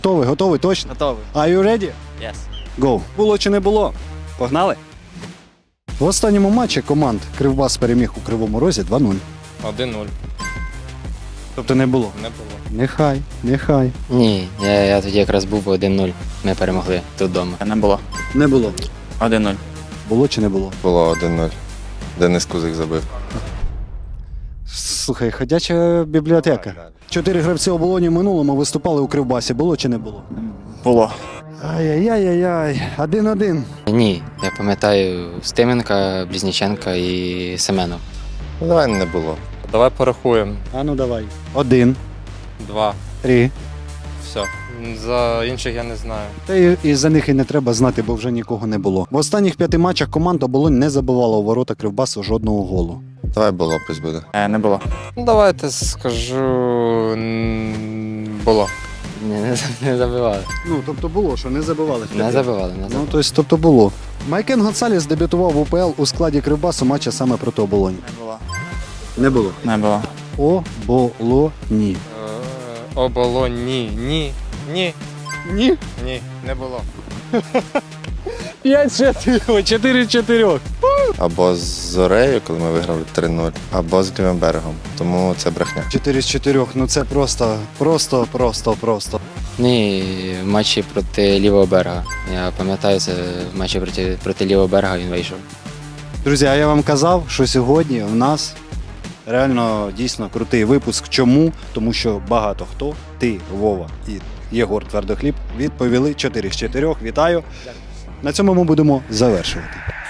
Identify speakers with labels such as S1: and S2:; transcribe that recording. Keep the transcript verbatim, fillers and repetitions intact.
S1: Готовий, готовий, точно?
S2: Готовий.
S1: Are you ready?
S2: Yes.
S1: Go. Було чи не було? Погнали? В останньому матчі команд Кривбас переміг у Кривому Розі два нуль.
S3: один нуль.
S1: Тобто не було?
S3: Не було.
S1: Нехай, нехай.
S4: Ні, я, я тоді якраз був один нуль. Ми перемогли тут вдома.
S2: Не було.
S1: Не було.
S2: один нуль.
S1: Було чи не було?
S5: Було один нуль. Денис Кузик забив.
S1: Слухай, ходяча бібліотека. Чотири гравці оболоні в минулому виступали у Кривбасі. Було чи не було?
S2: Було.
S1: Ай-яй-яй-яй. Один-один.
S4: Ні, я пам'ятаю Стименка, Близніченка і Семенов.
S5: Ну, давай не було.
S3: Давай порахуємо.
S1: А ну давай. Один,
S3: Два.
S1: три.
S3: Все. За інших я не знаю.
S1: Та і, і за них і не треба знати, бо вже нікого не було. В останніх п'яти матчах команда оболонь не забивала у ворота Кривбасу жодного голу.
S5: Давай було, пусть буде.
S2: Е, не було.
S3: Ну, давайте скажу. м, Було.
S4: Ні, не, не забивали.
S1: Ну, тобто було, що не забивали.
S4: Не забивали, не
S1: Ну,
S4: забивали.
S1: тобто, тобто було. Майкен Гонсаліс дебютував в УПЛ у складі Кривбасу матча саме проти оболонь.
S2: Не було.
S1: Не було.
S2: Не було.
S1: Оболоні.
S3: Е, Оболонь. Ні. Ні. Ні.
S1: Ні.
S3: Ні. Не було.
S1: п'ять чотири. чотири чотири.
S5: Або з Зорею, коли ми виграли три нуль, або з Грюнбергом. Тому це брехня.
S1: чотири з чотирьох. Ну це просто, просто, просто, просто.
S4: Ні, в матчі проти лівого берега. Я пам'ятаю, це в матчі проти, проти лівого берега він вийшов.
S1: Друзі, а я вам казав, що сьогодні в нас реально дійсно крутий випуск. Чому? Тому що багато хто, ти, Вова і Єгор Твердохліб, відповіли чотири з чотирьох. Вітаю. На цьому ми будемо завершувати.